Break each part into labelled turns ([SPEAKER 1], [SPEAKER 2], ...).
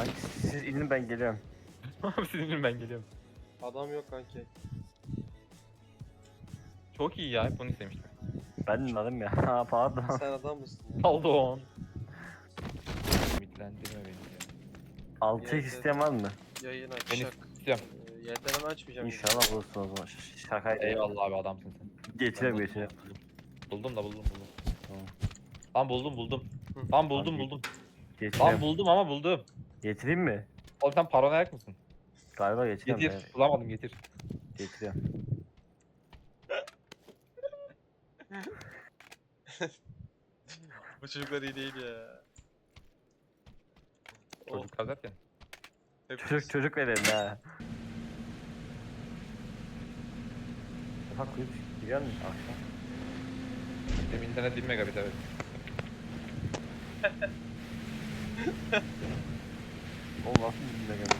[SPEAKER 1] Kanki siz inin ben geliyorum.
[SPEAKER 2] Abi sizin ben geliyorum.
[SPEAKER 3] Adam yok kanki.
[SPEAKER 2] Çok iyi ya, hep bunu istemiştim.
[SPEAKER 1] Ben inmedim ya. Ha pardon.
[SPEAKER 3] Sen adam mısın ya?
[SPEAKER 2] Pardon. Ümitlendirme beni ya.
[SPEAKER 1] 6 isteyen var mı?
[SPEAKER 3] Yayın
[SPEAKER 2] Ben
[SPEAKER 3] açacak.
[SPEAKER 2] istiyorum.
[SPEAKER 3] Yelden açmayacağım.
[SPEAKER 1] İnşallah bulursun o zaman. Şakaydı.
[SPEAKER 2] Eyvallah abi, adamsın sen.
[SPEAKER 1] Geçiyorum
[SPEAKER 2] Ben
[SPEAKER 1] geçiyorum.
[SPEAKER 2] Buldum da buldum.
[SPEAKER 1] Tamam.
[SPEAKER 2] Lan buldum.
[SPEAKER 3] Hı.
[SPEAKER 2] Lan buldum. Lan
[SPEAKER 1] Geçiyorum.
[SPEAKER 2] buldum ama buldum.
[SPEAKER 1] Getireyim mi?
[SPEAKER 2] Oğlum sen paranoyak mısın?
[SPEAKER 1] Galiba geçiyorum.
[SPEAKER 2] Getir.
[SPEAKER 1] Evet,
[SPEAKER 2] Bulamadım, getir.
[SPEAKER 1] getiriyorum.
[SPEAKER 3] Bu çocuklar iyi değil ya.
[SPEAKER 2] Çocuk kazarken.
[SPEAKER 1] Çocuk verelim ha. Ufak kuyup giriyor musun akşam?
[SPEAKER 2] Benim internet 1 megabit, evet.
[SPEAKER 1] Oğlum nasıl bizimle geldi?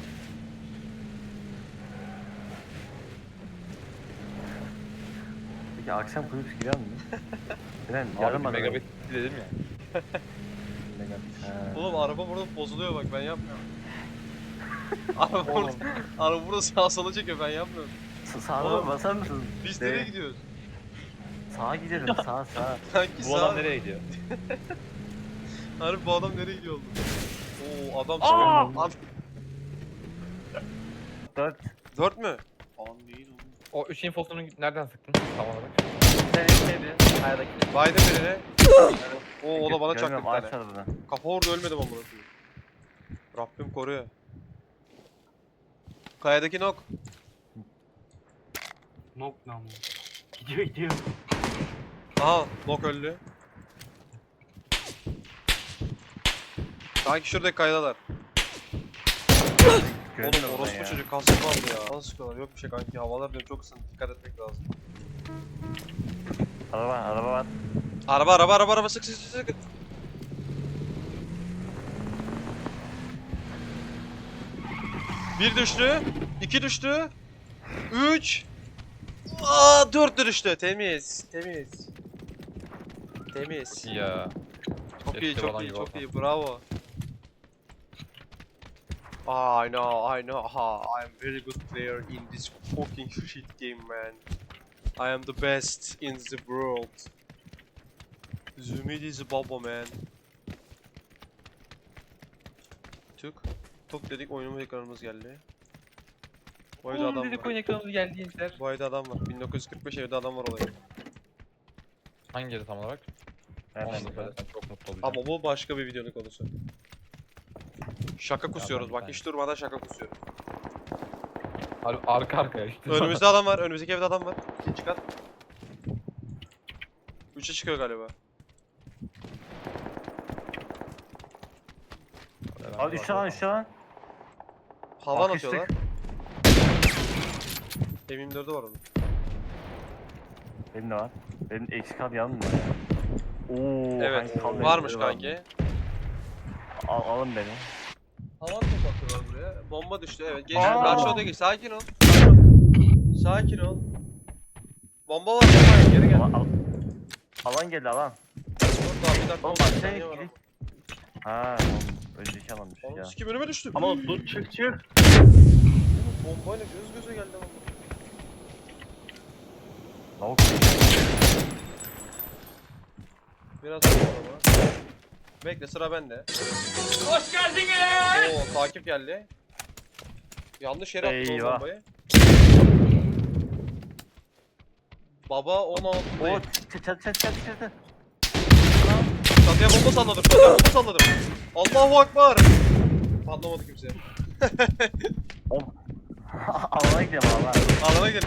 [SPEAKER 1] Peki akşam kuyup giriyor musun? Ben
[SPEAKER 2] Abi
[SPEAKER 1] yarım
[SPEAKER 2] 1
[SPEAKER 1] adamım.
[SPEAKER 2] megabit dedim ya.
[SPEAKER 3] Oğlum araba burada bozuluyor bak, ben yapmıyorum. Araba burada sağa sola çekiyor, ben yapmıyorum.
[SPEAKER 1] Sağa
[SPEAKER 3] Oğlum,
[SPEAKER 1] basar mısın?
[SPEAKER 3] Biz
[SPEAKER 1] De-
[SPEAKER 3] nereye gidiyoruz?
[SPEAKER 1] Sağa gidelim sağa.
[SPEAKER 3] Sanki
[SPEAKER 2] Bu
[SPEAKER 3] sağa.
[SPEAKER 2] adam nereye gidiyor?
[SPEAKER 3] Harbi bu adam nereye gidiyor oldu? Oo adam
[SPEAKER 2] Aa!
[SPEAKER 3] Adam...
[SPEAKER 1] 4.
[SPEAKER 3] 4 mü? Aa değil oğlum.
[SPEAKER 2] O 3 infosunu nereden sıktın tam olarak?
[SPEAKER 1] Sen istedi. Hayırdaki.
[SPEAKER 3] Baydım birine. Oo o da bana çaktı bir
[SPEAKER 1] Aç
[SPEAKER 3] tane.
[SPEAKER 1] arabadan.
[SPEAKER 3] Kafa orada ölmedim ama burası. Rabbim koruyor. Kayadaki nok.
[SPEAKER 4] Nok ne ama? Gidiyor.
[SPEAKER 3] Aha nok öldü. Sanki şuradaki kayadalar.
[SPEAKER 1] Gördün
[SPEAKER 3] Oğlum
[SPEAKER 1] oradan
[SPEAKER 3] orospu
[SPEAKER 1] ya.
[SPEAKER 3] çocuk kasık vardı ya. Nasıl sıkıyorlar? Yok bir şey kanki. Havalar diyorum çok ısındı. Dikkat etmek lazım.
[SPEAKER 1] Araba var.
[SPEAKER 3] Araba sık. Bir düştü. 2 düştü. 3. Aa 4 de düştü. Temiz.
[SPEAKER 2] Ya.
[SPEAKER 3] Çok iyi,
[SPEAKER 2] Keşke
[SPEAKER 3] çok
[SPEAKER 2] falan
[SPEAKER 3] iyi,
[SPEAKER 2] gibi
[SPEAKER 3] çok
[SPEAKER 2] olsa.
[SPEAKER 3] iyi. Bravo. I know. I'm very good player in this fucking shit game, man. I am the best in the world. Zümidi is baba, man. Tuk dedik, oyunumuz ekranımız geldi. Bu evde adam
[SPEAKER 2] Oğlum dedik, oyun
[SPEAKER 3] var.
[SPEAKER 2] ekranımız geldi gençler.
[SPEAKER 3] Bu evde adam var. 1945 evde adam var olayı.
[SPEAKER 2] Hangi yeri tam olarak?
[SPEAKER 1] Nereden
[SPEAKER 2] Onu da
[SPEAKER 1] gidiyor?
[SPEAKER 2] söylesen çok mutlu olacağım.
[SPEAKER 3] Ama bu başka bir videonun konusu. Şaka kusuyoruz
[SPEAKER 2] ben
[SPEAKER 3] bak,
[SPEAKER 2] bir
[SPEAKER 3] hiç durmadan şaka kusuyoruz.
[SPEAKER 2] Arka arkaya işte.
[SPEAKER 3] Önümüzde adam var, önümüzdeki evde adam var. İkinci kat. 3'e çıkıyor galiba.
[SPEAKER 1] Abi 3 lan 3 lan.
[SPEAKER 3] Havan
[SPEAKER 1] Akıştık.
[SPEAKER 3] atıyorlar. M24'ü var onun.
[SPEAKER 1] Benim de var. Benim eksik abi yanım var ya. Oo,
[SPEAKER 3] Evet,
[SPEAKER 1] kanki,
[SPEAKER 3] varmış
[SPEAKER 1] var.
[SPEAKER 3] kanki.
[SPEAKER 1] Alın beni.
[SPEAKER 3] Havan top atıyorlar buraya. Bomba düştü, evet. Geç,
[SPEAKER 1] Aa!
[SPEAKER 3] karşı odaya geç. Sakin ol. Sakin ol. Bomba var, geri gel.
[SPEAKER 1] Alan geldi alan.
[SPEAKER 3] Dur daha bir dakika.
[SPEAKER 1] Oğlum
[SPEAKER 3] 10
[SPEAKER 1] aşağıya
[SPEAKER 3] saniye var.
[SPEAKER 1] gidelim. Ha, oğlum, önceki alanmış
[SPEAKER 3] Oğlum
[SPEAKER 1] ya.
[SPEAKER 3] sikim önüme düştü.
[SPEAKER 4] Ama dur çık.
[SPEAKER 3] Bombayla göz göze geldi ama.
[SPEAKER 1] Lavuk.
[SPEAKER 3] Biraz sonra ama. Bekle, sıra bende.
[SPEAKER 4] Hoş geldiniz.
[SPEAKER 3] Oo, takip geldi. Yanlış yere attı o
[SPEAKER 1] Eyvah.
[SPEAKER 3] bombayı. Baba 16.
[SPEAKER 1] Oo, çat.
[SPEAKER 3] Çatıya bomba salladım. Allahu Ekber. Patlamadı kimse.
[SPEAKER 1] Oğlum. Alana gidelim alana.
[SPEAKER 3] Alana gidelim.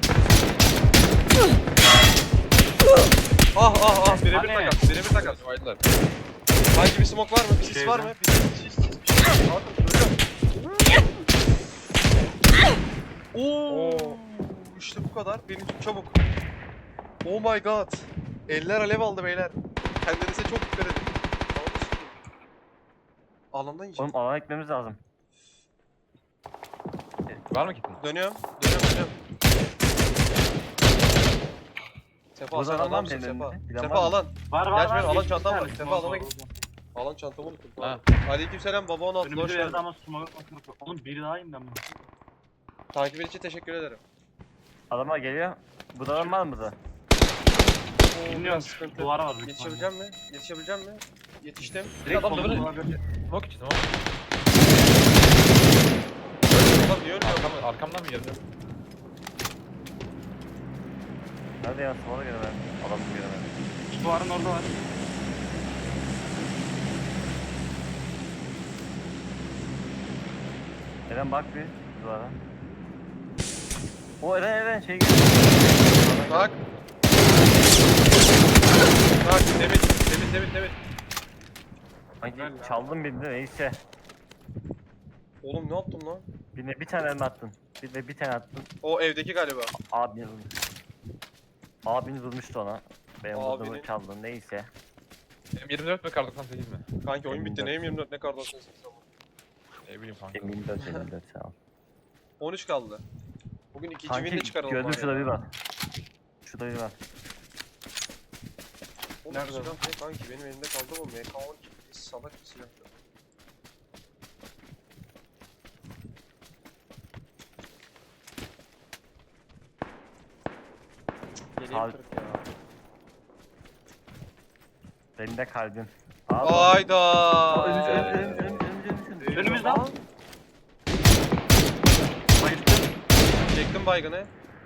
[SPEAKER 3] Birebir
[SPEAKER 1] Hani?
[SPEAKER 3] takas.
[SPEAKER 2] Oynadılar.
[SPEAKER 3] Hangi bir smoke var mı? Bir sis var mı? Bir sis. Bakın söylüyorum. Oo. İşte bu kadar. Beni tut çabuk. Oh my god. Eller alev aldı beyler. Kendinize çok dikkat edin. Alandan yiyeceğim.
[SPEAKER 1] Oğlum alana gitmemiz lazım.
[SPEAKER 2] Var mı kitin?
[SPEAKER 3] Dönüyorum. Sefa
[SPEAKER 1] Burada
[SPEAKER 3] sen
[SPEAKER 1] adam var mı
[SPEAKER 3] adamsın
[SPEAKER 1] senin
[SPEAKER 3] Sefa.
[SPEAKER 1] önünde? Bilen
[SPEAKER 3] Sefa
[SPEAKER 1] var mı?
[SPEAKER 3] alan.
[SPEAKER 4] Var
[SPEAKER 3] Gerçi benim alan
[SPEAKER 4] geçti bir
[SPEAKER 3] çantam var.
[SPEAKER 4] tanesi.
[SPEAKER 3] Sefa alana git. Alan çantamı unuttum.
[SPEAKER 2] Ha.
[SPEAKER 3] Aleykümselam baba 16 hoş
[SPEAKER 4] Önümüzde bir yerde
[SPEAKER 3] geldin.
[SPEAKER 4] ama smoke yok. Oğlum biri daha indi ama.
[SPEAKER 3] Takibin için teşekkür ederim.
[SPEAKER 1] Adamlar geliyor. Bu da adam var mı da?
[SPEAKER 3] Oo,
[SPEAKER 4] Bilmiyorum,
[SPEAKER 3] biraz sıkıntı.
[SPEAKER 4] duvara var büyük
[SPEAKER 3] Yetişebileceğim mi? Yetişebileceğim mi? Yetiştim.
[SPEAKER 4] Direkt
[SPEAKER 2] Adam da böyle-
[SPEAKER 4] solunda var.
[SPEAKER 2] Smoke içi smoke.
[SPEAKER 3] Adam niye ölmüyor?
[SPEAKER 2] Arkamdan mı geldi?
[SPEAKER 1] Nerede ya? Sola göremedim. Adamı göremedim.
[SPEAKER 4] Şu duvarın orada var.
[SPEAKER 1] Eren bak bir duvara. O Eren şey geliyor.
[SPEAKER 3] Bak. Bak Demir.
[SPEAKER 1] Sanki
[SPEAKER 4] Helal ya.
[SPEAKER 1] çaldım birini neyse.
[SPEAKER 3] Oğlum ne yaptın lan?
[SPEAKER 1] Bir tane elma attın. Bir tane attın.
[SPEAKER 3] O evdeki galiba.
[SPEAKER 1] Abiniz vurmuş. Abiniz vurmuştu ona. Benim
[SPEAKER 3] Abinin-
[SPEAKER 1] vurduğumu çaldın neyse.
[SPEAKER 2] Benim 24 mi kar 98 mi?
[SPEAKER 3] Kanki oyun bitti.
[SPEAKER 1] 24.
[SPEAKER 3] Neyim 24 ne kadar olsun ama.
[SPEAKER 2] Ne bileyim kanka.
[SPEAKER 1] Eminim 4 sağ ol.
[SPEAKER 3] 13 kaldı. Bugün ikinci
[SPEAKER 1] Kanki
[SPEAKER 3] win'le çıkaralım.
[SPEAKER 1] gördüm
[SPEAKER 3] bari
[SPEAKER 1] şurada
[SPEAKER 3] ya.
[SPEAKER 1] bir var. Şurada bir var.
[SPEAKER 3] Oğlum
[SPEAKER 4] Nerede
[SPEAKER 3] silah
[SPEAKER 4] o?
[SPEAKER 3] ne kanki benim elimde kaldı bu MK12 salak bir silahtı. Yeleğim
[SPEAKER 1] Sağ-
[SPEAKER 3] kırık ya.
[SPEAKER 1] Benim de kalbim. Abi.
[SPEAKER 3] Ayda.
[SPEAKER 4] Önümüzde al.
[SPEAKER 3] Çektim baygını.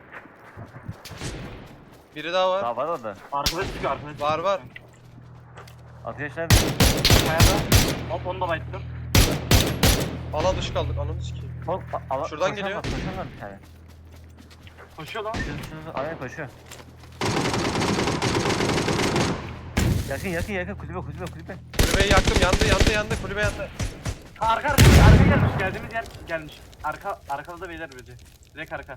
[SPEAKER 3] Biri daha var.
[SPEAKER 1] Daha var orada.
[SPEAKER 4] Arkada çıkıyor arkada.
[SPEAKER 3] Var, var.
[SPEAKER 1] Ateş nerede?
[SPEAKER 4] Kayada. Hop onu da bayıttım.
[SPEAKER 3] Alan dışı kaldık. Ananı sikeyim. Şuradan geliyor.
[SPEAKER 1] Koşan var bir tane.
[SPEAKER 4] Koşuyor lan.
[SPEAKER 1] Aynen koşuyor. Yakın kulübe.
[SPEAKER 3] Kulübeyi yaktım. Yandı. Kulübe yandı.
[SPEAKER 4] Arka gelmiş. Geldiğimiz yer gelmiş. Arkada da beyler bence. Direkt arka.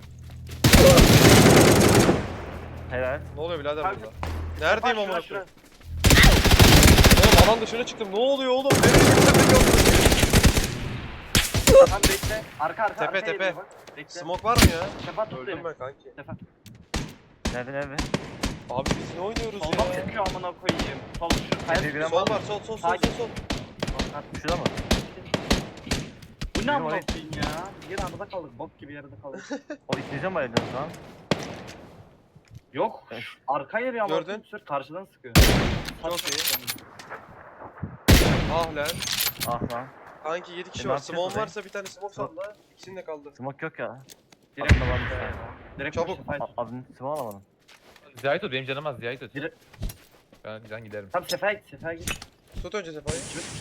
[SPEAKER 1] Helal.
[SPEAKER 3] Ne oluyor birader
[SPEAKER 4] Kanka.
[SPEAKER 3] burada? Neredeyim
[SPEAKER 4] Bak,
[SPEAKER 3] amına
[SPEAKER 4] şura,
[SPEAKER 3] koyayım? Oğlum alan dışına çıktım. Ne oluyor oğlum? Nereye gittim yok.
[SPEAKER 4] Tamam bekle. Arka.
[SPEAKER 3] Tepe,
[SPEAKER 4] arkaya
[SPEAKER 3] tepe.
[SPEAKER 4] geliyor bak. Bekle.
[SPEAKER 3] Smoke var mı ya?
[SPEAKER 4] Sefa tut
[SPEAKER 3] Öldüm
[SPEAKER 4] beni.
[SPEAKER 3] ben kanki.
[SPEAKER 4] Sefa.
[SPEAKER 1] Nerede?
[SPEAKER 3] Abi biz ne oynuyoruz
[SPEAKER 4] Soldan
[SPEAKER 3] ya?
[SPEAKER 4] çıkıyor amına koyayım. Sol şu kaya.
[SPEAKER 1] Tepe bir
[SPEAKER 3] Sol var sol.
[SPEAKER 1] Şurada mı?
[SPEAKER 4] Bu ne amına
[SPEAKER 1] oraya-
[SPEAKER 4] koyayım ya? Bir arada kaldık. Bok gibi yerde kaldık.
[SPEAKER 1] O ikinci mi aydınız lan?
[SPEAKER 4] Yok.
[SPEAKER 1] Evet.
[SPEAKER 4] Arka yeri ama
[SPEAKER 3] Gördün?
[SPEAKER 4] sür karşıdan sıkıyor.
[SPEAKER 3] Çok iyi. Ah lan.
[SPEAKER 1] Ah lan.
[SPEAKER 3] Kanki 7 kişi
[SPEAKER 1] Ne
[SPEAKER 3] var.
[SPEAKER 1] yapacağız
[SPEAKER 3] Smoke
[SPEAKER 1] oraya?
[SPEAKER 3] varsa bir tane smoke sal da. İkisinin de kaldı.
[SPEAKER 1] Smoke yok ya.
[SPEAKER 4] Direkt
[SPEAKER 1] Aslında var bir tane.
[SPEAKER 4] Direkt
[SPEAKER 3] Çabuk.
[SPEAKER 4] Çabuk.
[SPEAKER 1] Adını smoke alamadım.
[SPEAKER 2] Ziyahit ol benim canım az Ziyahit ol.
[SPEAKER 4] Direkt-
[SPEAKER 2] Ben giderim.
[SPEAKER 4] Tamam Sefa'ya git.
[SPEAKER 3] Tut önce Sefa'yı.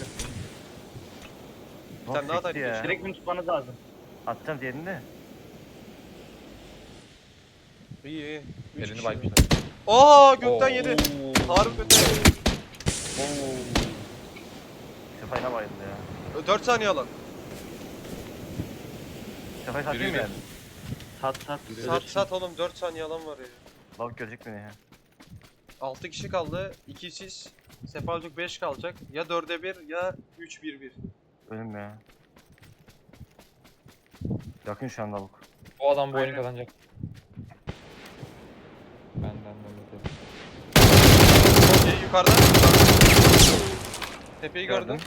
[SPEAKER 1] Smoke
[SPEAKER 3] tane daha
[SPEAKER 1] sekti
[SPEAKER 3] takip
[SPEAKER 1] ya.
[SPEAKER 4] Direkt bunu tutmanız lazım.
[SPEAKER 1] Atacağım diğerini de.
[SPEAKER 3] İyi. 3
[SPEAKER 2] Elini
[SPEAKER 3] kişi.
[SPEAKER 2] baymışlar.
[SPEAKER 3] Aa gökten
[SPEAKER 2] Oo.
[SPEAKER 3] yedi. Harbi kötü.
[SPEAKER 1] Sefayla bayıldı ya.
[SPEAKER 3] 4 saniye alan.
[SPEAKER 1] Sefayı satayım mı
[SPEAKER 2] Yürü.
[SPEAKER 1] yani?
[SPEAKER 4] Sat.
[SPEAKER 3] Oğlum 4 saniye alan var ya.
[SPEAKER 1] Balık görecek beni ya.
[SPEAKER 3] 6 kişi kaldı. 2 siz. Sefalcuk 5 kalacak. Ya 4'e 1 ya 3-1-1.
[SPEAKER 1] Ölüm ya. Yakın şu an lavuk.
[SPEAKER 2] Bu adam bu oyunu
[SPEAKER 4] Aynen.
[SPEAKER 2] kazanacak. Benden de
[SPEAKER 3] Okey yukarıda. Tepeyi gördün.
[SPEAKER 1] Gördüm.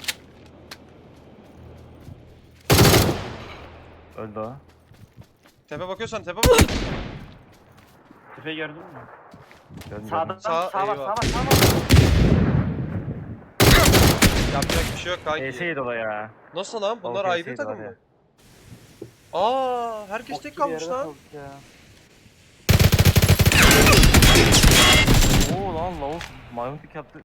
[SPEAKER 1] Öldü o.
[SPEAKER 3] Tepe bakıyorsan tepe bak.
[SPEAKER 4] Tepeyi gördün mü?
[SPEAKER 1] Gördüm
[SPEAKER 4] Sağda
[SPEAKER 3] Sağ-
[SPEAKER 4] sağ var.
[SPEAKER 3] eyvah. Yapacak bir şey yok kanki.
[SPEAKER 1] ES'ydi o ya.
[SPEAKER 3] Nasıl lan? Bunlar
[SPEAKER 1] Okey,
[SPEAKER 3] ayrı
[SPEAKER 1] şeydi
[SPEAKER 3] takım
[SPEAKER 1] var ya.
[SPEAKER 3] mı? Aa, herkes tek kalmış lan.
[SPEAKER 1] Oo lan lavuk maymun pik yaptı.